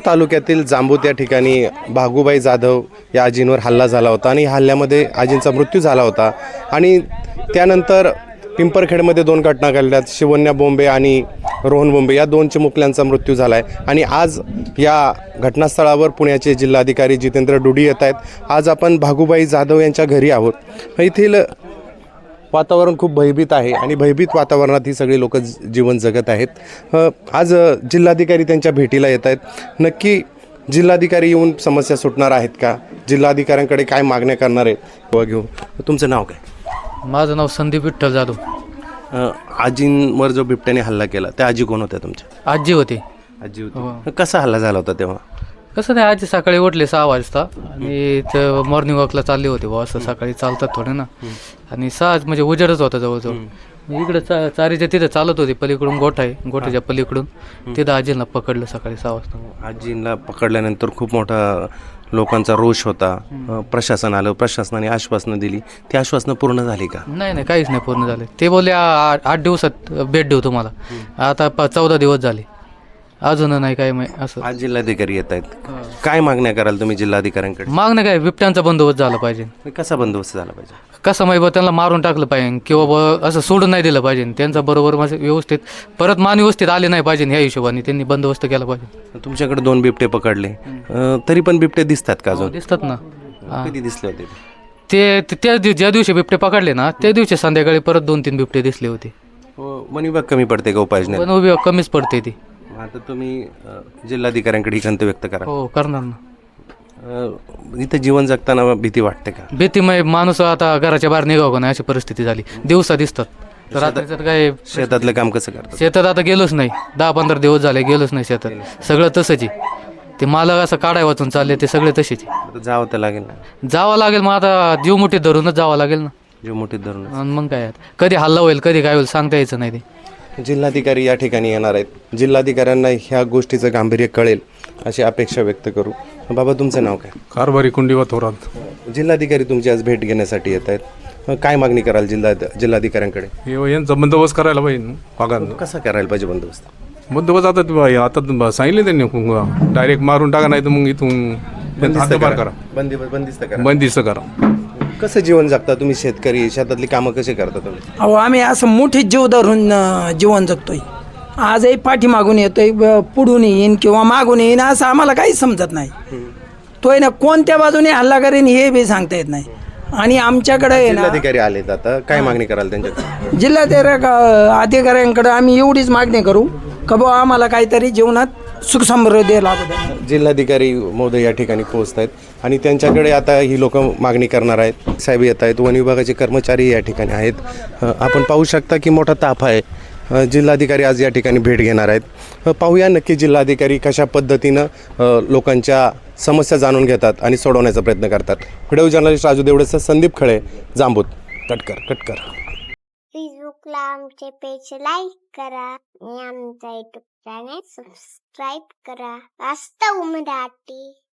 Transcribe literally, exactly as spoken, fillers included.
तालुक्यातील जांबूत या ठिकाणी भागूबाई जाधव या आजींवर हल्ला झाला होता आणि हल्ल्यामध्ये आजींचा मृत्यू झाला होता आणि त्यानंतर पिंपरखेडमध्ये दोन घटना घडल्यात. शिवन्या बोंबे आणि रोहन बोंबे या दोन चिमुकल्यांचा मृत्यू झाला आहे आणि आज या घटनास्थळावर पुण्याचे जिल्हाधिकारी जितेंद्र डुडी येत आहेत. आज आपण भागूबाई जाधव यांच्या घरी आहोत. येथील वातावरण खूप भयभीत आहे आणि भयभीत वातावरणात ही सगळी लोक जीवन जगत आहेत. आज जिल्हाधिकारी त्यांच्या भेटीला येत आहेत. नक्की जिल्हाधिकारी येऊन समस्या सुटणार आहेत का? जिल्हाधिकाऱ्यांकडे काय मागण्या करणार आहेत व घेऊ. तुमचं नाव काय? माझं नाव संदीप विठ्ठल जाधव. आजींवर जो बिबट्याने हल्ला केला त्या आजी कोण होत्या तुमच्या? आजी होती. आजी होती. कसा हल्ला झाला होता तेव्हा? कसं नाही, आजी सकाळी उठले सहा वाजता आणि ते मॉर्निंग वॉकला चालले होते बुवा, असं सकाळी चालतात थोडे ना, आणि सहा म्हणजे उजेडच होता जवळजवळ. इकडं चा चारीच्या तिथं चालत होते, पलीकडून गोठा आहे, गोठ्याच्या पलीकडून तिथं आजींना पकडलं सकाळी सहा वाजता. आजींना पकडल्यानंतर खूप मोठा लोकांचा रोष होता. प्रशासन आलं, प्रशासनाने आश्वासनं दिली, ती आश्वासनं पूर्ण झाली का? नाही नाही, काहीच नाही पूर्ण झाले. ते बोलले आ- आठ दिवसात भेट देऊ तुम्हाला. आता प चौदा दिवस झाले अजून नाही काय. मग असं आज जिल्हाधिकारी येत आहेत, काय मागण्या कराल तुम्ही जिल्हाधिकाऱ्यांकडे? मागणं काय, बिबट्यांचा बंदोबस्त झाला पाहिजे. कसा बंदोबस्त झाला पाहिजे? कसं माहिती बा, त्यांना मारून टाकलं पाहिजे किंवा ब असं सोडून नाही दिलं पाहिजे. त्यांचा बरोबर म्हणजे व्यवस्थित परत मान व्यवस्थित आले नाही पाहिजे, ह्या हिशोबाने त्यांनी बंदोबस्त केला पाहिजे. तुमच्याकडे दोन बिबटे पकडले, अं, तरी पण बिबटे दिसतात का अजून? दिसतात ना. कधी दिसले होते? ते ते- त्या दिव- ज्या दिवशी बिबटे पकडले ना, त्या दिवशी संध्याकाळी परत दोन तीन बिबटे दिसले होते. वन विभाग कमी पडते का उपाययोजना? पण उभी कमीच पडते ती. आता तुम्ही अं, जिल्हाधिकाऱ्यांकडे ही खंत व्यक्त करा. हो करणार ना. अं, इथं जीवन जगताना भीती वाटते का? भीतीमय माणूस आता घराच्या बाहेर निघावं का नाही अशी परिस्थिती झाली. दिवसा दिसतात तर रात्रीचं तर काय. शेतातलं काम कसं करतात? शेतात आता गेलोच नाही, दहा पंधरा दिवस झाले गेलोच नाही शेतात. सगळं तसंच आहे. ते मालक असं काढाय वाचून चालले, ते सगळे तसेच आहे. आता जावं तर लागेल ना. जावं लागेल मग, आता जीव मुठीत धरूनच जावं लागेल ना. जीव मोठीत धरून. आणि मग काय आता, कधी हल्ला होईल कधी काय होईल सांगता यायचं नाही. ते जिल्हाधिकारी या ठिकाणी येणार आहेत. जिल्हाधिकाऱ्यांना ह्या गोष्टीचं गांभीर्य कळेल अशी अपेक्षा व्यक्त करू. बाबा तुमचं नाव काय? कारभारी कुंडीवा थोरात. जिल्हाधिकारी तुमची आज भेट घेण्यासाठी येत आहेत. काय मागणी कराल जिल्हा जिल्हाधिकाऱ्यांकडे? हे यांचा बंदोबस्त करायला पाहिजे पगार. कसा करायला पाहिजे बंदोबस्त? बंदोबस्त आता ते- आता सांगितले त्यांनी डायरेक्ट मारून टाका, नाही तर मग इथून त्यांचा हद्दपार करा, बंदी बंदिस्त करा. बंदिस्त करा. कसं जीवन जगता तुम्ही? शेतकरी, शेतातली कामं कशी करता तुम्ही? अहो आम्ही असं मोठे जीव धरून अं, जीवन जगतोय. आजही पाठीमागून येतोय, ब- पुढून येईन किंवा मागून येईन असं आम्हाला काहीच समजत नाही. तोय ना कोणत्या बाजूने हल्ला करेन हे बी सांगता येत नाही. आणि आमच्याकडे आहे ना, जिल्हाधिकारी आलेत, आता काय मागणी कराल त्यांच्याकडे? जिल्हाधिकारी अधिकाऱ्यांकडे आम्ही एवढीच मागणी करू का बुवा आम्हाला काहीतरी जीवनात सुख समृद्धी लाभू द्या. जिल्हाधिकारी महोदय या ठिकाणी पोहोचत आहेत आणि त्यांच्याकडे आता ही लोक मागणी करणार आहेत. साहेब येत आहेत, वन विभागाचे कर्मचारी या ठिकाणी आहेत. अ, आपण पाहू शकता की मोठा ताफ आहे. अ, जिल्हाधिकारी आज या ठिकाणी भेट घेणार आहेत. अ, पाहूया नक्की जिल्हाधिकारी कशा पद्धतीनं अ, लोकांच्या समस्या जाणून घेतात आणि सोडवण्याचा प्रयत्न करतात. व्हिडिओ जर्नलिस्ट राजू देवडेसह संदीप खळे, जांबूत. कटकर कटकर. फेसबुकला आमचे पेज लाईक करा आणि आमचा युट्यूब चॅनेल सबस्क्राईब करा. वास्तव मराठी.